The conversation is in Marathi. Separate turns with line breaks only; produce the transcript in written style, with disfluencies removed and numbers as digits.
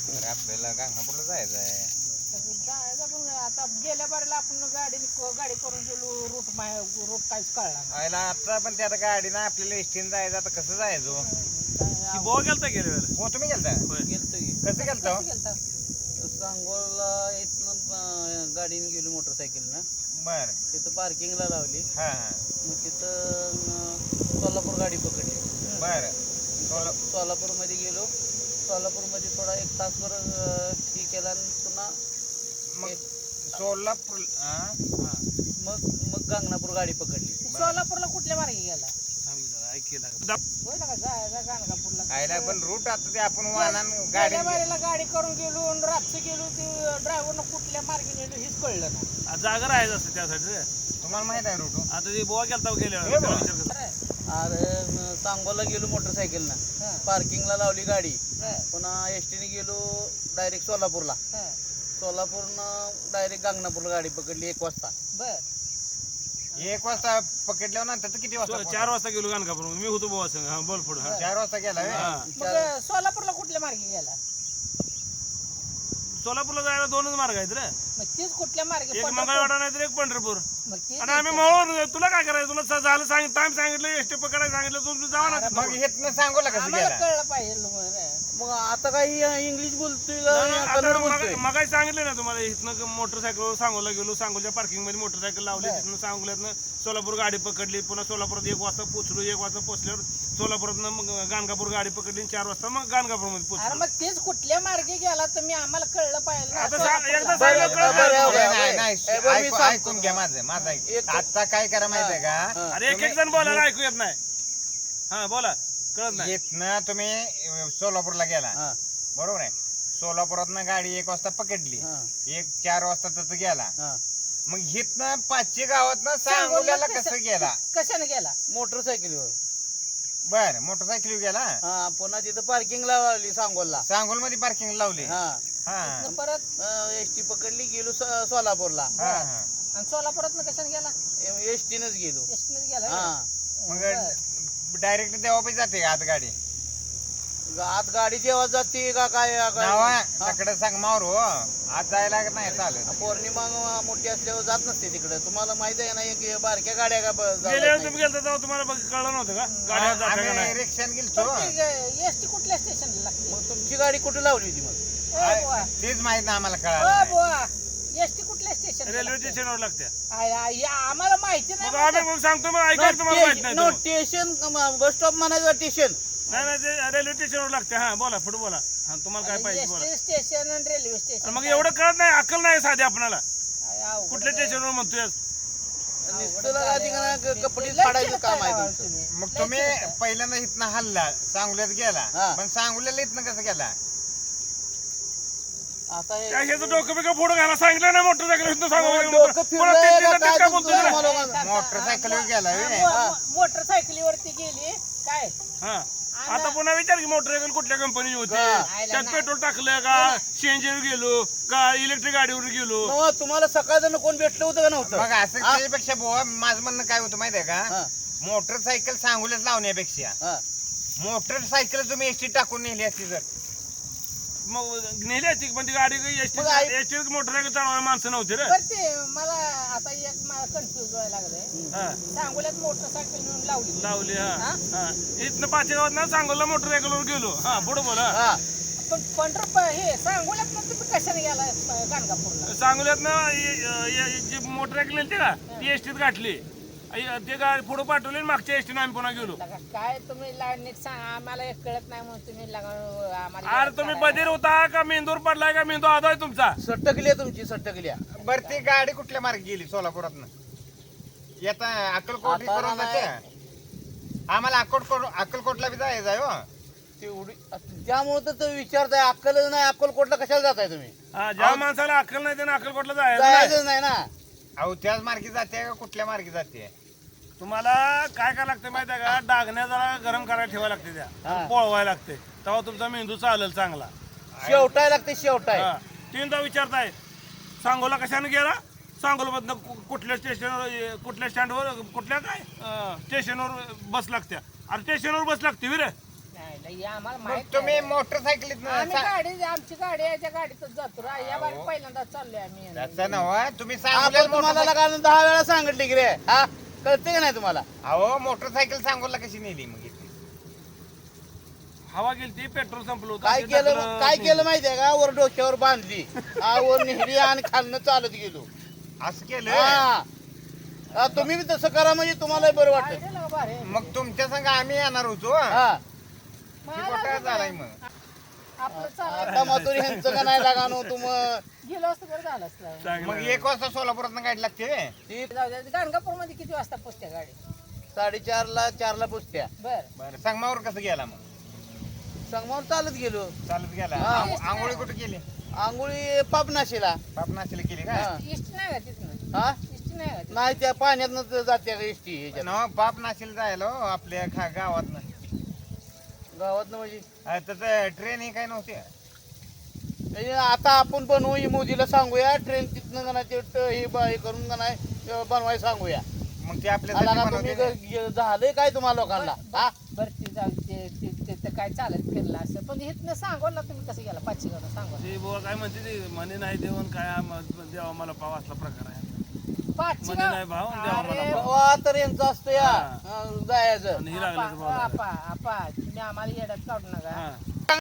अरे आपल्याला गाणगापूरला जायचं आहे.
जायचं पण आता गेल्या बारीला आपण गाडी करून गेलो रूट काहीच कळला नाही.
आयला आता पण त्या गाडीनं आपल्याला एसटीने जायचं, आता कसं जायचो?
ती बोवा गेलता गेल्या वेळेला.
हो तुम्ही गेलता?
गेलतो की
कसं गेलता?
गेलता.
सांगोला इथनं गाडीने गेलो मोटरसायकलनं.
बर.
तिथं पार्किंगला लावली.
हा
मग तिथं सोलापूर गाडी पकडली.
बर.
सोलापूरमध्ये गेलो. सोलापूरमध्ये थोडा 1 तासभर हे केला आणि पुन्हा
मग सोलापूर
मग गांगणापूर गाडी पकडली.
सोलापूरला कुठल्या मार्गे गेला?
ऐकेला
होय ना का जायचा गाणगापूरला.
आयला पण रूट आता ते आपण वाहनान गाडी
गेल्या बारीला गाडी करून गेलो आणि रातचं गेलो, ते ड्रायव्हरनं कुठल्या मार्गे नेलो हेच कळलं ना.
जागा राहायचं असतं त्यासाठी रे.
तुम्हाला माहित आहे रूट?
आता ती बोवा गेलता गेल्या
हे
वेळेला.
बघा.
त्याला विचार कर.
अरे,
अरे सांगोला गेलो मोटरसायकलनं.
हा,
पार्किंगला लावली गाडी.
हा,
पुन्हा एसटीने गेलो डायरेक्ट सोलापूरला.
हा.
सोलापूरनं डायरेक्ट गांगणापूरला गाडी पकडली 1 वाजता.
बर.
1 वाजता पकडल्यावर नंतर तर किती वाजता?
4 वाजता गेलो गाणगापूर. मी होतो बोवा संग. हा बोल पुढे.
4 वाजता गेला व्हय?
हा
मग सोलापूरला कुठल्या मार्गे गेला?
सोलापूरला जायला 2च मार्ग आहेत रे.
मग तेच कुठल्या मार्गे?
एक मंगळवाडा नाही तर एक पंढरपूर.
मग तेच
आणि आम्ही मळून तुला काय करायचं? तुला झालं टाइम सांगितलं, एसटी पकडायला सांगितलं, तुम्ही जावा ना.
मग हेतनं सांगोला कसं
आम्हाला
गेला?
कळलं पाहिजे रे.
मग आता काही इंग्लिश बोलतोय का कन्नड बोलतोय?
मगाही सांगितलं ना तुम्हाला, इथनं मोटरसायकल सांगोला गेलो. सांगोलच्या पार्किंग मध्ये मोटरसायकल लावली. तिथनं सांगोल्यातनं सोलापूर गाडी पकडली. पुन्हा सोलापुरात 1 वाजता पोहोचलो. 1 वाजता पोहोचल्यावर सोलापुरातनं मग गाणगापूर गाडी पकडली. 4 वाजता मग गाणगापूर मध्ये
अरे
पोहोचलो.
मग तेच कुठल्या मार्गे गेला तर मी आम्हाला कळलं पाहिजे ना.
आता
सोलापूरला.
एकदा
बरं,
सांगितलं
बरं,
कळलं.
बरं.
नाही, नाही,
बरं, मी सांगतो.
ऐकून घ्या माझं ऐक.
एक-
आता काय करा माहितीये का?
अरे एक जण बोलायला ऐकू येत नाही. हा बोला, कळत नाही.
इथनं तुम्ही सोलापूरला गेला,
हा,
बरोबर आहे? सोलापुरातनं गाडी 1 वाजता पकडली.
हा,
4 वाजता तिथं गेला.
हा.
मग हिथनं 5ची गावातनं सांगोल्याला कसं गेला?
कशाने गेला?
मोटरसायकलीवर.
बर. मोटरसायकल गेला.
हा, पुन्हा तिथं पार्किंगला लावली सांगोला.
सांगोल मध्ये पार्किंग लावली.
हा,
हा
परत
एसटी पकडली. गेलो सोलापूरला.
हा हा.
आणि सोलापुरात कशाने गेला?
एसटीनच गेलो.
एसटीने गेला.
हा,
मग डायरेक्ट देवापाशी जाते का आत गाडी?
आत गाडी जेव्हा जाते का काय
नावा तकडे सांग मावर हो, आत जायला नाही चालत.
पौर्णिमा मोठी असल्यावर जात नसते तिकडे. तुम्हाला माहिती आहे ना, एक बारक्या गाड्या का जात
गेल्या वेळेस
नाही.
तुम्ही गेलता तेव्हा तुम्हाला कळलं नव्हतं का गाड्या जात्या का
आम्ही
नाही?
रिक्षाने गेलतो.
एसटी कुठल्या स्टेशनला लागली?
मग तुमची गाडी कुठे लावली होती मग?
तेच माहित ना आम्हाला
ओ
कळालं.
बुवा, एसटी कुठल्या स्टेशन?
रेल्वे स्टेशनवर लागत्या.
आम्हाला माहिती
मग
नाही.
आम्ही मग सांगतो, मग ऐका तुम्हाला माहित नाही
नो
तो.
स्टेशन बस स्टॉप म्हणायचं स्टेशन.
नाही नाही, ते रेल्वे स्टेशनवर लागते. हा बोला, पुढे बोला. हा तुम्हाला काय पाहिजे बोला.
एसटी स्टेशन आणि रेल्वे
आणि
स्टेशन.
मग एवढं कळत नाही, अक्कल नाही साधी आपल्याला.
अवघड
कुठल्या
आहे.
स्टेशनवर म्हणतोय?
कपडे
लय
फाडायचं काम आहे
चिडताय
तुमचं.
तुम्ही.
मग
लय
तुम्ही
चिडताय.
पहिल्यांदा इथनं हल्ला, सांगोल्यात गेला.
हा.
पण सांगोल्याला इथनं कसं गेला?
आता हे
काय ह्याचं डोकं बिकं फोडून घ्यायला सांगितलं ना मोटरसायकल इथनं सांगू.
डोकं फिरलंय का काय
काय
तुमचं
बोलतोय?
तुम्हाला लोकांना?
मोटरसायकलवर गेला व्हय?
मोटरसायकलीवरती गेली काय?
हा. आता पुन्हा विचार की मोटरसायकल कुठल्या कंपनीची होती,
हा.
त्यात पेट्रोल टाकलं का, सीएनजीवर गेलो का, इलेक्ट्रिक गाडीवर गेलो.
नवा, तुम्हाला सकाळचं कोण भेटलं होतं का नव्हतं?
मग असं त्याच्यापेक्षा बुवा माझं म्हणणं काय होतं माहितीये का?
हा,
मोटरसायकल सांगोल्यात लावण्यापेक्षा
हा.
मोटरसायकल तुम्ही एसटी टाकून नेली असती जर.
मग नेली असती पण ती गाडी एसटी
मग आई-
मोटरसायकल चालवायला माणसं नव्हती रे.
बरं ते मला आता एक मला कन्फ्युज व्हायला लागलंय.
हा.
सांगोल्यात मोटरसायकल नेऊन लावली.
लावली. हा
हा?
हा. इथनं पाचेगावात ना सांगोला मोटरसायकलवर गेलो. हा पुढे बोला.
हा.
पण हे सांगोल्यात तुम्ही कशाने गेला गाणगापूरला?
सांगोल्यात ना जी मोटरसायकल नेली का ती एसटीत गाठली. ते गाडी पुढे पाठवली आणि मागच्या एसटीने आम्ही पुन्हा गेलो.
लगा काय तुम्ही नीट सांग, आम्हाला एक कळत नाही म्हणून तुम्ही आम्हाला
अरे तुम्ही बधीर होता का मेंदूर पडलाय का मेंदू आदोय तुमचा?
सट्टकली आहे तुमची, सट्टकली आहे.
बरं ती गाडी कुठल्या मार्गे गेली सोलापुरातनं? येता अक्कलकोट
आता
करून
नाही.
जाते. आम्हाला अक्कलकोटला बी जायचं आहे हो.
तेवढी त्यामुळे तर तुम्ही विचारताय, अक्कल नाही, अक्कलकोटला कशाला जाताय तुम्ही?
हा, ज्या माणसाला अक्कल नाही त्यानं अक्कलकोटला जायचं नाही.
जायचं नाही ना.
अहो त्याच मार्गे जाते का कुठल्या मार्गे जाते?
तुम्हाला काय काय लागतं माहिती आहे का? डागण्या जरा गरम करायला ठेवायला लागते, त्या
हा.
पोळवायला लागते, तेव्हा तुमचा मेंदू चालेल चांगला.
शेवटाय लागते, शेवटाय.
हा. तीनदा विचारताय सांगोला कशाने गेला, सांगोला कुठल्या स्टेशनवर, कुठल्या स्टँडवर, कुठल्या काय स्टेशनवर बस लागत्या. अरे स्टेशनवर बस लागते विरे.
नाही लई आम्हाला
मग
माहित
तुम्ही
नाही.
मोटरसायकलीत
आम्ही गाडी आमची गाडी आहे त्या गाडीतच जातो या बारी पहिल्यांदा चाललोय आम्ही
त्याचं नव्ह तुम्ही
आपण
सांगोल्यात
तुम्हाला
मोटरसायकल
लगा 10 वेळा सांगितले की रे हा कळते का नाही तुम्हाला
अहो मोटरसायकल सांगोला कशी नेली मग इथे?
हवा गेली ती पेट्रोल संपलं होतं
काय
ते
केलं
टाकलं
काय
नाही.
केलं माहितीये का वर डोक्यावर बांधली वर नेहरी आणि खालनं चालत गेलो
असं केलं
हा हा, तुम्ही बी तसं करा म्हणजे तुम्हाला बरं वाटत
गाडी लगा भारी.
मग तुमच्या संग आम्ही येणार होतो
हा
ती कुठं झालाय मग
आपलं
आता
चालायचं
मातोरी ह्यांचं का नाही लागानो तुम
गेलो असतं बरं झालं असतं
चांगलं
मग
आहे.
1 वाजता सोलापुरात गाडी लागते
ती
जाऊ द्या गाणगापूर मध्ये किती वाजता पोचते गाडी
4:30 4ला पुसत्या
बर
बरं संगमावर कसं गेला मग
संगमावर चालत गेलो
चालत गेला
हा.
आंघोळी कुठे केली
आंघोळी पापनाशीला
पापनाशीला केली का
हा
इष्ट नाही का तिथनं
हा
इष्ट नाही का तिथनं?
नाही त्या पाण्यातनं जाते एसटी ह्याच्यात
न पापनाशीला जायला हो, आपल्या गावात
गावात म्हणजे
त्याचं ट्रेन ही काय नव्हती
आता आपण बनवू ही मोदीला सांगूया ट्रेन तिथनं का नाही ते हे हे करून का नाही बनवायला सांगूया
मग ते आपल्या
आला का तुम्ही झालंय काय तुम्हाला लोकांना हा
बर ते जाऊ ते काय चालत फिरलं असं पण इथनं सांगोला तुम्ही कसं गेला पाचशे गावं सांगोला
ते बुवा काय म्हणते ते म्हणे नाही देऊन काय देवा मला पाव असला प्रकार आहे
पाचशे
म्हणे नाही भाव देवा मला
अरे,
पाव
तेव्हा तर यांचं असतं या
हा.
जायचं
आणि ही लागलं तर
आपा तुम्ही आम्हाला येड्यात काढू नका
हा